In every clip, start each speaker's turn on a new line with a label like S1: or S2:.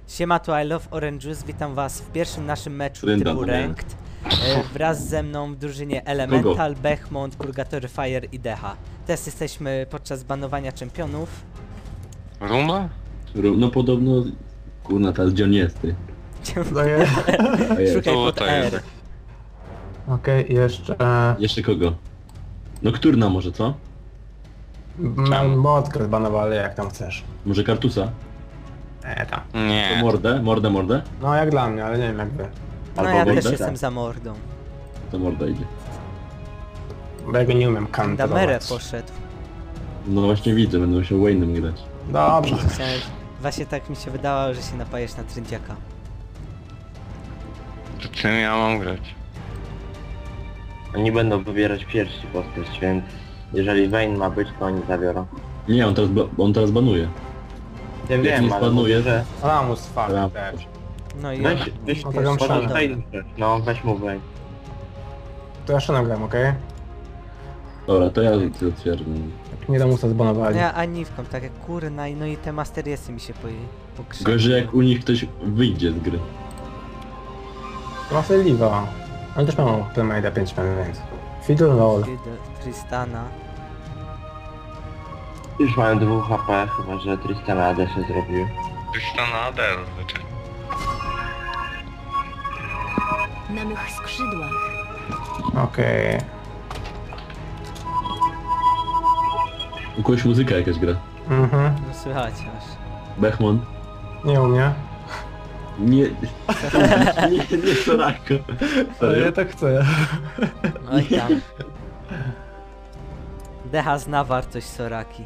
S1: Siema, tu I Love Orange Juice, witam was w pierwszym naszym meczu
S2: Rynda,
S1: typu
S2: no nie.
S1: Ranked. Wraz ze mną w drużynie Elemental, Bechmont, Purgatory Fire i Deha. Teraz jesteśmy podczas banowania czempionów.
S3: Ruma?
S2: No podobno... Kurna, teraz gdzie on jest, ty?
S4: To jest.
S2: A jest.
S1: Szukaj
S3: Tu,
S1: pod
S3: to
S1: R.
S3: jest.
S4: Okej, jeszcze...
S2: Jeszcze kogo? Nocturna może, co?
S4: Motkę zbanowali, jak tam chcesz.
S2: Może Kartusa?
S4: Tam.
S2: To
S3: Nie.
S2: mordę?
S4: No jak dla mnie, ale nie wiem jak wy.
S1: No
S2: Albo
S1: ja też
S2: mordę?
S1: jestem za mordą.
S2: To morda idzie.
S4: Bo ja go nie umiem
S1: Damerę
S4: kantować.
S1: poszedł.
S2: No właśnie widzę, będę musiał Wayne'em grać.
S4: Dobrze.
S1: Chciałem... Właśnie tak mi się wydawało, że się napajesz na trędziaka.
S3: To czym ja mam grać?
S5: Oni będą wybierać pierwszy postać, więc jeżeli Vayne ma być, to oni zabiorą.
S2: Nie, on teraz banuje.
S5: Ja
S2: Jak
S5: wiem,
S2: nie
S5: ale
S2: spanuje,
S5: mówię, że
S4: Ramus fakt
S2: Ram.
S4: też.
S1: No i
S5: weź
S4: No to ją
S5: możesz
S4: szanę.
S5: Vayne wziąć. No, weź mu Vayne.
S4: To ja szanem gram, okej?
S2: Dobra, to ja otwieram.
S4: Jak nie Ramusa zbanowali.
S1: ja Aniwką, tak jak kurna, no i te Masteriesy mi się pokrzyły.
S2: Gorzej jak u nich ktoś wyjdzie z gry.
S4: Ma sobie Liva. Oni też mają Playmate'a 5 minut, więc... Fiddle roll.
S1: Tristana.
S5: Już mają 2 HP, chyba że Tristana AD się zrobił.
S3: Tristana Adel, znaczy.
S6: Na mych skrzydłach.
S4: Okej.
S2: U kogoś muzyka jakaś gra.
S4: Mhm.
S1: No słychać aż.
S2: Bechmon.
S4: Nie u mnie.
S2: Nie... nie Soraka.
S4: Ale ja tak chcę.
S1: Oj tam. Deha zna wartość Soraki.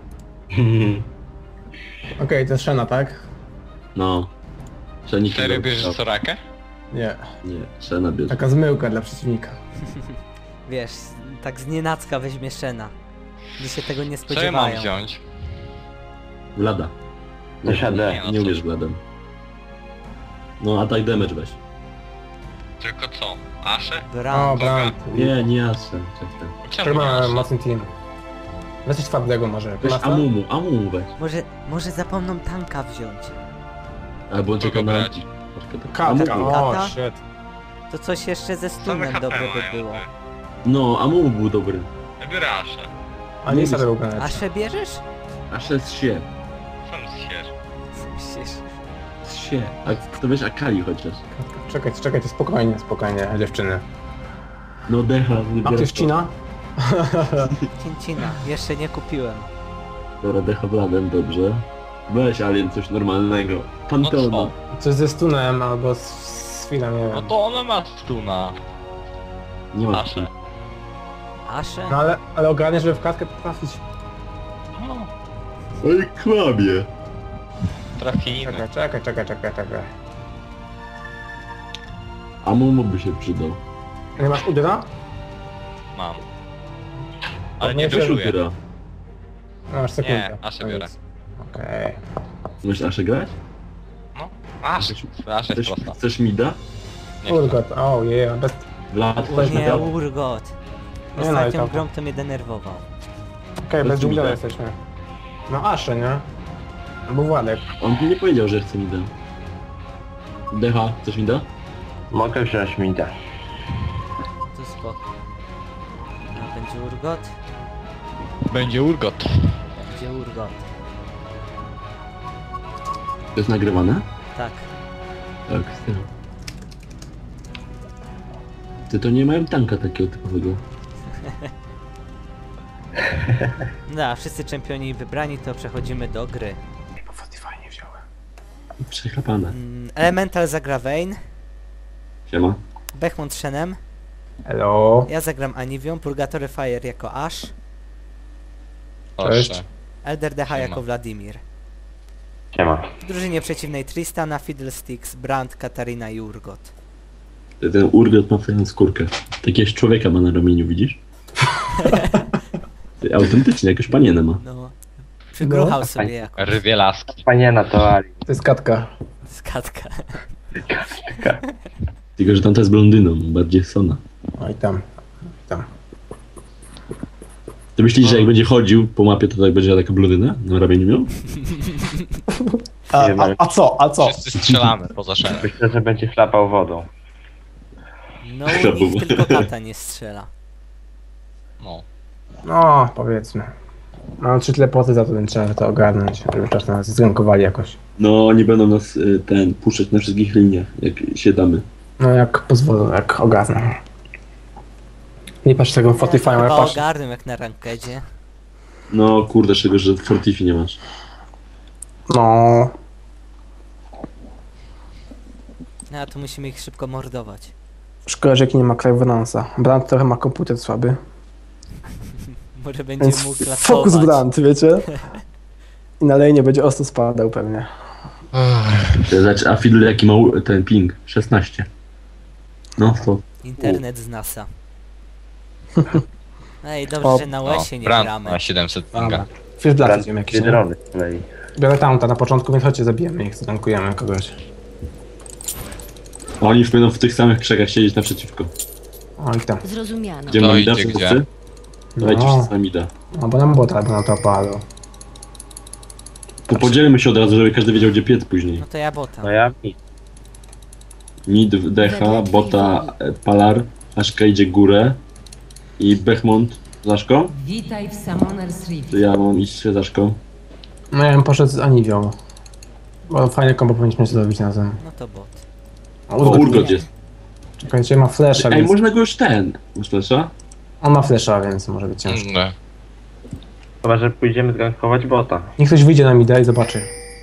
S4: Okej, to jest Shena, tak?
S2: No. Szenik
S3: Serio bierzesz Sorakę?
S4: Nie.
S2: Nie, Szena bierze.
S4: Taka zmyłka dla przeciwnika.
S1: Wiesz, tak znienacka weźmie Shena. Gdy się tego nie
S3: Co ja mam
S1: spodziewają.
S3: wziąć?
S2: Vlada.
S5: Też AD.
S3: no
S2: Nie
S3: co?
S2: umiesz Vladem. No, attack damage weź.
S3: Tylko co? Asze?
S4: O,
S1: Brand.
S4: Brand.
S2: Nie Ashen. Czekaj.
S4: Tak
S3: Czemu nie
S4: ma
S3: Asze?
S4: mocny team. Weź coś twardego może.
S2: Weź
S4: Klasa?
S2: Amumu weź.
S1: Może zapomną tanka wziąć.
S2: Albo on czeka na...
S3: brać?
S4: Katka.
S2: Amumu.
S4: O,
S1: Kata?
S4: shit.
S1: To coś jeszcze ze
S3: Same
S1: stunem
S3: HP
S1: dobre
S3: mają,
S1: by było.
S3: ty.
S2: No, Amumu był dobry.
S3: Ja biorę Asze.
S4: A nie sobie był
S1: A Sze bierzesz?
S2: Ashen z się.
S3: Sam zsiesz.
S1: Myślisz?
S2: Z się. A to wiesz Akali chociaż.
S4: Czekajcie, spokojnie, dziewczyny.
S2: No Deha.
S4: A to jest Cina?
S1: Cincina. Jeszcze nie kupiłem.
S2: Dobra, Deha Vladem, dobrze. Weź Alien coś normalnego. Pantona.
S3: No
S4: Coś ze stunem albo z chwilą, nie
S3: No
S4: wiem.
S3: to ona ma stuna.
S2: Nie ma
S3: Asze.
S1: Asze?
S4: No ale ogarnie, żeby w klatkę trafić.
S3: No,
S2: Oj, kłamie.
S3: trafimy.
S4: Czekaj.
S2: Amumu by się przydał.
S4: Nie masz Udyra?
S3: Mam. Ale
S4: nie
S3: nie
S2: Weź
S3: dużuję.
S2: Utyra.
S4: No, masz sekundę.
S3: Nie, Aszę biorę.
S4: Okej.
S2: Możesz Aszę grać?
S3: No, Asze. Asze jest prosta.
S2: Chcesz Mida?
S3: Nie chcę.
S4: Urgot, oh yeah, bez...
S2: Vlad
S1: O
S2: też
S1: nie,
S2: Mida?
S1: Urgot.
S4: Nie, no i
S1: Ostatnią
S4: tam.
S1: grą to mnie denerwował.
S4: Okej, bez
S2: Bez
S4: dżungla
S2: Mida.
S4: jesteśmy. No Asze, nie? Albo Władek.
S2: On mi nie powiedział, że chce Mida. Deha, chcesz Mida?
S5: Mogę wziąć Mida.
S1: To spoko. A będzie Urgot?
S3: Będzie Urgot.
S1: Będzie Urgot.
S2: To jest nagrywane?
S1: Tak.
S2: Tak, z Ty to nie mają tanka takiego typowego.
S1: No, a wszyscy czempioni wybrani, to przechodzimy do gry.
S4: Fajnie wziąłem.
S2: Przechlapane.
S1: Elemental zagra Vayne,
S2: Siema.
S1: Bechmont Shenem,
S4: Hello.
S1: ja zagram Aniwią, Purgatory Fire jako Ash,
S4: Cześć.
S3: Proszę.
S1: Elder Deha
S3: Siema.
S1: jako Wladimir.
S5: Siema.
S1: W drużynie przeciwnej Tristana, Fiddlesticks, Brand, Katarina i Urgot.
S2: Ten Urgot ma fajną skórkę. Takiegoś człowieka ma na ramieniu, widzisz? Ty, autentycznie, jakąś panienę ma.
S1: No. Przygruchał
S4: No.
S1: sobie jako
S3: Rywielaski.
S5: Paniena to Ali.
S4: To jest Katka.
S1: skatka.
S2: Tylko, że tamta jest blondyną, bardziej Sona.
S4: Oj tam.
S2: Ty myślisz, że jak będzie chodził po mapie, to tak będzie taka blondyna na ramieniu miał?
S5: Nie wiem, ale
S4: A co?
S3: Wszyscy strzelamy poza szereg.
S5: myślę, że będzie chlapał wodą.
S1: No nikt tylko kata nie strzela.
S3: No.
S4: No, powiedzmy. Mam 3 teleporty, za to ten trzeba to ogarnąć, żeby czas nas zgankowali jakoś.
S2: No, oni będą nas puszczać na wszystkich liniach, jak się damy.
S4: No jak pozwolą, jak ogarnę. Nie patrz tego Fortify, ale
S1: Chyba
S4: patrz.
S1: ogarnę jak na rankedzie.
S2: No kurde, czego, że Fortifi nie masz.
S4: No.
S1: No a tu musimy ich szybko mordować.
S4: Szkoda, że jaki nie ma Clairvoyance'a. Brand trochę ma komputer słaby.
S1: Może będzie
S4: Więc
S1: mógł klasować.
S4: fokus Brand, wiecie? I na lane będzie ostro spadał pewnie.
S2: A Fiddle jaki ma ten ping? 16. No to.
S1: Internet z NASA. Ej, dobrze,
S4: O,
S1: że na
S3: No,
S1: łesie nie
S3: Brand
S1: gramy.
S3: ma 700
S4: Dobra.
S3: pinga.
S4: Fish Blast
S5: Brand
S4: idziemy jakiś,
S5: dwie
S4: nie?
S5: drony z kolei.
S4: Biorę taunta na początku, więc chodźcie, zabijemy ich, zdankujemy kogoś.
S2: Oni już będą w tych samych krzakach siedzieć naprzeciwko.
S4: O, i tam.
S6: Zrozumiano.
S2: Gdzie
S3: To
S2: mamy da
S3: idzie gdzie?
S2: wszyscy? Dawajcie
S4: No.
S2: wszyscy na mida.
S4: No bo nam bota na to opadło.
S2: To podzielmy się od razu, żeby każdy wiedział gdzie piec później.
S1: No to ja bota.
S5: No ja i
S2: Mid, Decha, Bota, Palar, Aszka idzie górę i Bechmont z Aszką.
S7: Witaj w Summoner's Rift.
S2: To ja mam iść z Aszką.
S4: No ja bym poszedł z Aniwią. Bo fajne kombo powinniśmy zrobić razem.
S1: No to bot.
S2: O, Urgot jest.
S4: Czekajcie, ma flasha,
S2: Ej,
S4: więc...
S2: można go już Masz flesza?
S4: On ma flasha, więc może być ciężko.
S3: No.
S5: chyba, że pójdziemy zgankować bota.
S4: Niech ktoś wyjdzie na mida i zobaczy.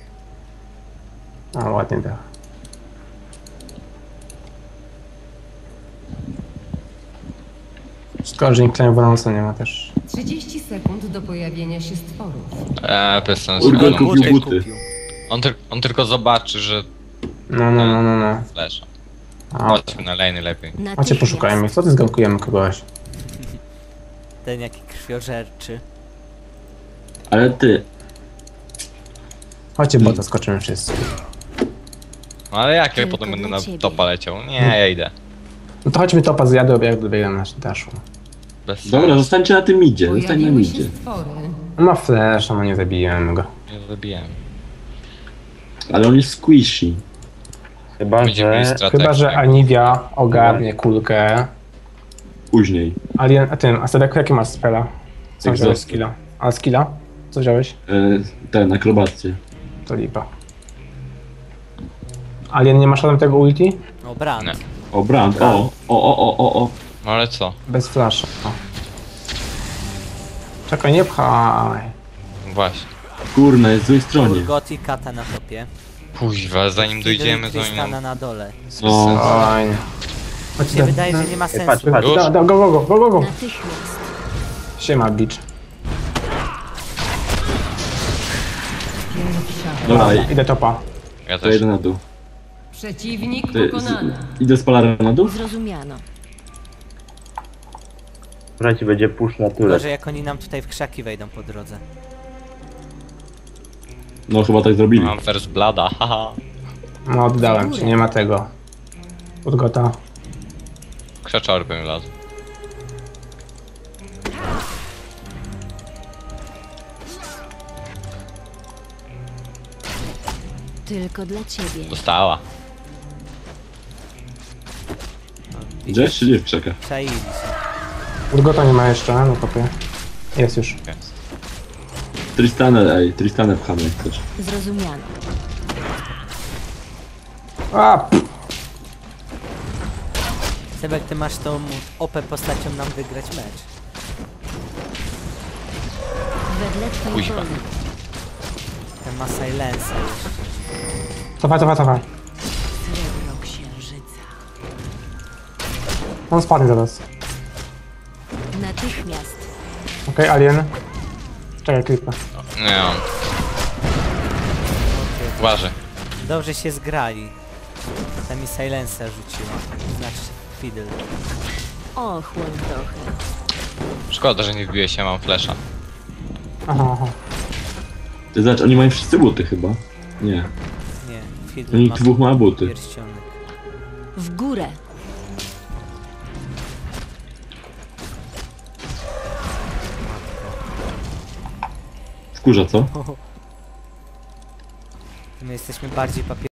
S4: A, ładnie da. Szkoda, że nikt Clairvoyance'a nie ma też.
S7: 30 sekund do pojawienia się stworów.
S3: Bez sensu.
S2: Urgot
S3: No,
S2: kupił buty.
S3: on tylko zobaczy, że
S4: No.
S3: flasha.
S4: A,
S3: Chodźmy na lane lepiej.
S4: Chodźcie, poszukajmy ich. Co ty zgankujemy kogoś?
S1: Ten jaki krwiożerczy.
S2: Ale ty,
S4: Chodźcie, bota skoczymy wszyscy.
S3: No ale jak ja
S6: Tylko
S3: potem będę
S6: dla
S3: na
S6: ciebie.
S3: topa leciał? Nie, ja idę.
S4: No to chodźmy topa zjadę, jak dobiegam na daszu.
S3: Bez
S2: dobra,
S3: sensu.
S2: zostańcie na tym midzie, zostań na
S7: Pojawiły się
S2: midzie.
S7: stwory.
S4: On ma flash, no nie zabijemy go.
S3: Nie zabijałem.
S2: Ale on jest squishy.
S5: Chyba,
S3: Będziemy mieli
S5: że...
S3: strategię.
S4: Chyba, że Aniwia ogarnie kulkę.
S2: Później.
S4: Alien, a Sedek, jaki masz spela? Co
S2: Exhaust.
S4: wziąłeś skilla? A skilla? Co wziąłeś?
S2: Ten, akrobację.
S4: To lipa. Alien, nie masz żadnego tego ulti?
S1: O, Brand.
S3: Nie.
S2: O, Brand, o.
S3: No ale co?
S4: Bez flasha. O. Czekaj, nie pchaj.
S3: Właśnie.
S2: Kurna, jest z złej stronie.
S1: Urgot i kata na topie.
S3: Kuźwa, zanim dojdziemy do
S1: Tristana
S3: nią.
S1: na dole.
S2: No.
S4: Fajnie.
S1: Mi się wydaje, że nie ma sensu.
S5: patrz, patrz.
S3: Już?
S4: Go.
S6: Natychmiast.
S4: Siema, bitch.
S2: Dobra,
S4: Idę topa.
S3: Ja
S2: to
S3: też.
S2: jedę na dół.
S7: Przeciwnik
S2: Ty,
S7: pokonany.
S2: idę z Palara na dół?
S6: Zrozumiano.
S5: Słuchajcie, będzie push na tyle.
S1: Może jak oni nam tutaj w krzaki wejdą po drodze.
S2: No, chyba tak zrobili.
S3: Mam first blada, haha.
S4: No oddałem ci, nie ma tego. Urgota.
S3: Krzeczory bym wlazł.
S6: Tylko dla ciebie.
S3: Dostała.
S2: Gdzieś czy nie w krzakach?
S1: Czaili się.
S4: Urgota nie ma jeszcze, no kopie. Jest już.
S3: Jest.
S2: Tristanę pchamy jak chcesz.
S6: Zrozumiano.
S4: A, pff.
S1: Sebek, ty masz tą OP postacią nam wygrać mecz.
S6: Wedle twej
S3: Kuźwa.
S6: woli.
S1: Ten ma silensa jeszcze.
S4: Cofaj.
S6: Srebro księżyca.
S4: On spadnie zaraz.
S6: Natychmiast.
S4: Okej, Alien. Czekaj, klipę.
S3: Nie on. Uważaj.
S1: Dobrze się zgrali. Ta mi silensa rzuciła. Znaczy Fiddle.
S6: Ochłoń trochę.
S3: Szkoda, że nie wbiłeś się, mam flesza.
S4: Aha.
S2: Ty zobacz, oni mają wszyscy buty chyba. Nie.
S1: Nie, Fiddle
S2: Oni
S1: ma
S2: dwóch ma buty.
S1: pierścionek.
S6: W górę.
S2: Wkurza, co?
S1: My jesteśmy bardziej